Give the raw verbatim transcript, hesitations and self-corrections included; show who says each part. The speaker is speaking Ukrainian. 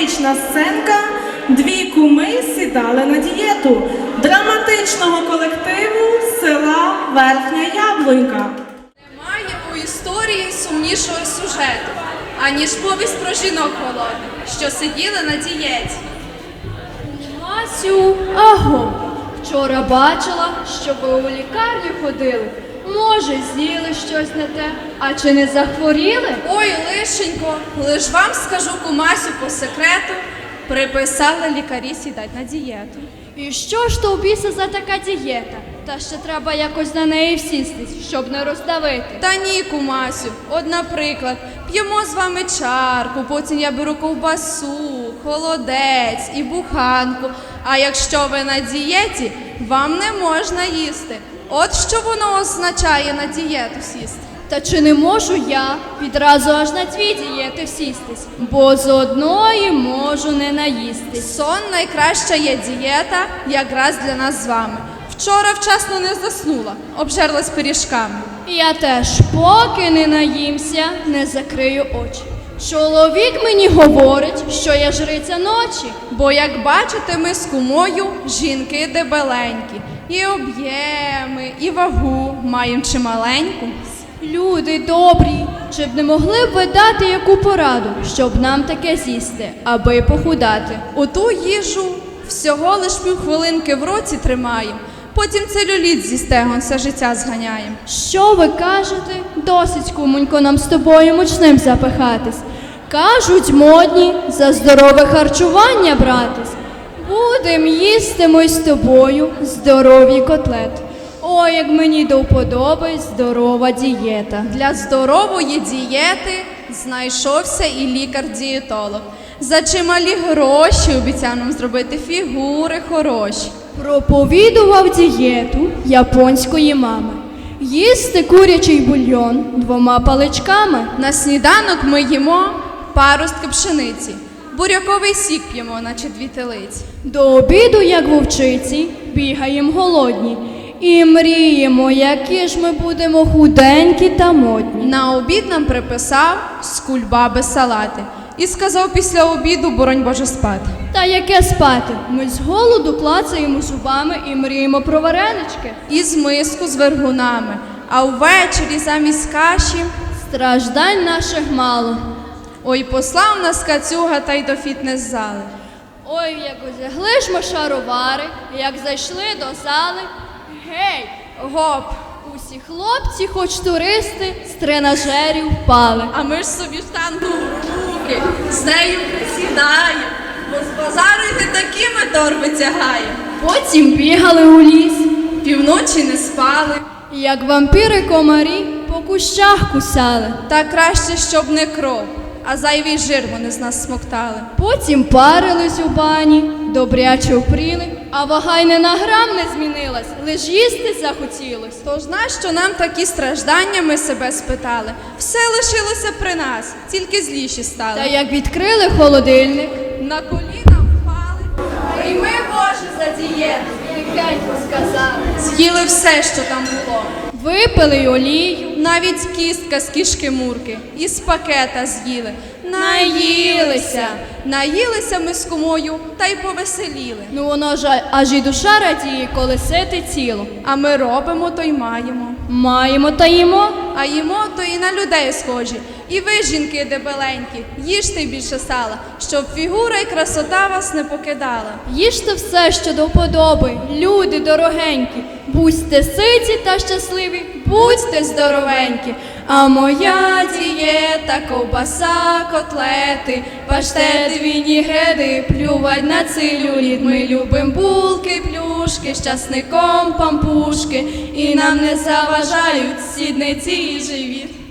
Speaker 1: драматична сценка «Дві куми сідали на дієту» драматичного колективу з села Верхня Яблунька.
Speaker 2: Немає у історії сумнішого сюжету, аніж повість про жінок голодних, що сиділи на дієті.
Speaker 3: Масю, аго, вчора бачила, що ви у лікарню ходили. Може, з'їли щось не те, а чи не захворіли?
Speaker 2: Ой, лишенько, лиш вам скажу, кумасю, по секрету, приписали лікарі сідать на дієту.
Speaker 3: І що ж то у біса за така дієта? Та ще треба якось на неї всістись, щоб не роздавити.
Speaker 2: Та ні, кумасю, от, наприклад, п'ємо з вами чарку, потім я беру ковбасу, холодець і буханку. А якщо ви на дієті, вам не можна їсти. От що воно означає на дієту сісти.
Speaker 3: Та чи не можу я відразу аж на дві дієти всістись, бо з одної можу не наїстись.
Speaker 2: Сон найкраща є дієта, якраз для нас з вами. Вчора вчасно не заснула, обжерлась пиріжками.
Speaker 3: Я теж, поки не наїмся, не закрию очі. Чоловік мені говорить, що я жриця ночі.
Speaker 2: Бо, як бачите, ми з кумою жінки дебеленькі. І об'єми, і вагу маємо чималеньку.
Speaker 3: Люди добрі, чи б не могли б ви дати яку пораду, щоб нам таке з'їсти, аби похудати?
Speaker 2: Оту їжу всього лиш півхвилинки в році тримаємо, потім целюліт зі стегон все життя зганяємо.
Speaker 3: Що ви кажете? Досить, кумонько, нам з тобою мучним запихатись. Кажуть, модні за здорове харчування братись. Будем їсти ми з тобою здорові котлети. Ой, як мені до вподоби здорова дієта.
Speaker 2: Для здорової дієти знайшовся і лікар-дієтолог. За чималі гроші обіцяв нам зробити фігури хороші.
Speaker 3: Проповідував дієту японської мами. Їсти курячий бульйон двома паличками.
Speaker 2: На сніданок ми їмо паростки пшениці, буряковий сік п'ємо, наче дві телиці.
Speaker 3: До обіду, як вовчиці, бігаєм голодні. І мріємо, які ж ми будемо худенькі та модні.
Speaker 2: На обід нам приписав з кульбаби салати. І сказав після обіду, боронь Боже, спати.
Speaker 3: Та яке спати? Ми з голоду клацаємо зубами і мріємо про варенички.
Speaker 2: І з миску з вергунами. А ввечері замість каші
Speaker 3: страждань наших мало.
Speaker 2: Ой, послав нас кацюга та й до фітнес-зали.
Speaker 3: Ой, як узягли ж ми шаровари, як зайшли до зали. Гей,
Speaker 2: гоп!
Speaker 3: Усі хлопці, хоч туристи, з тренажерів впали.
Speaker 2: А ми ж собі штангу в руки, з нею присідаємо, бо з базару йти такими торби тягаємо.
Speaker 3: Потім бігали у ліс,
Speaker 2: півночі не спали,
Speaker 3: як вампіри комарі по кущах кусали.
Speaker 2: Та краще, щоб не кров, а зайвий жир вони з нас смоктали.
Speaker 3: Потім парились у бані, добряче впріли, а вага й не на грам не змінилась, лиш їсти захотілось.
Speaker 2: Тож нащо нам такі страждання, ми себе спитали? Все лишилося при нас, тільки зліші стали.
Speaker 3: Та як відкрили холодильник,
Speaker 2: на коліна впали. Прийми, Боже, за дієту,
Speaker 3: тихенько сказали.
Speaker 2: З'їли все, що там було.
Speaker 3: Випили й олію,
Speaker 2: навіть кістка з кішки-мурки, із пакета з'їли.
Speaker 3: Наїлися.
Speaker 2: Наїлися ми з кумою та й повеселіли.
Speaker 3: Ну воно ж аж і душа радіє, коли сите тіло.
Speaker 2: А ми робимо, то й маємо.
Speaker 3: Маємо та їмо.
Speaker 2: А їмо, то і на людей схожі. І ви, жінки дебеленькі, їжте більше сала, щоб фігура і красота вас не покидала.
Speaker 3: Їжте все, що до вподоби, люди дорогенькі. Будьте ситі та щасливі, будьте здоровенькі. А моя дієта, ковбаса, котлети, паштет, вінігреди, плювать на целюліт. Ми любим булки, плюшки, з часником пампушки, і нам не заважають сідниці і живіт.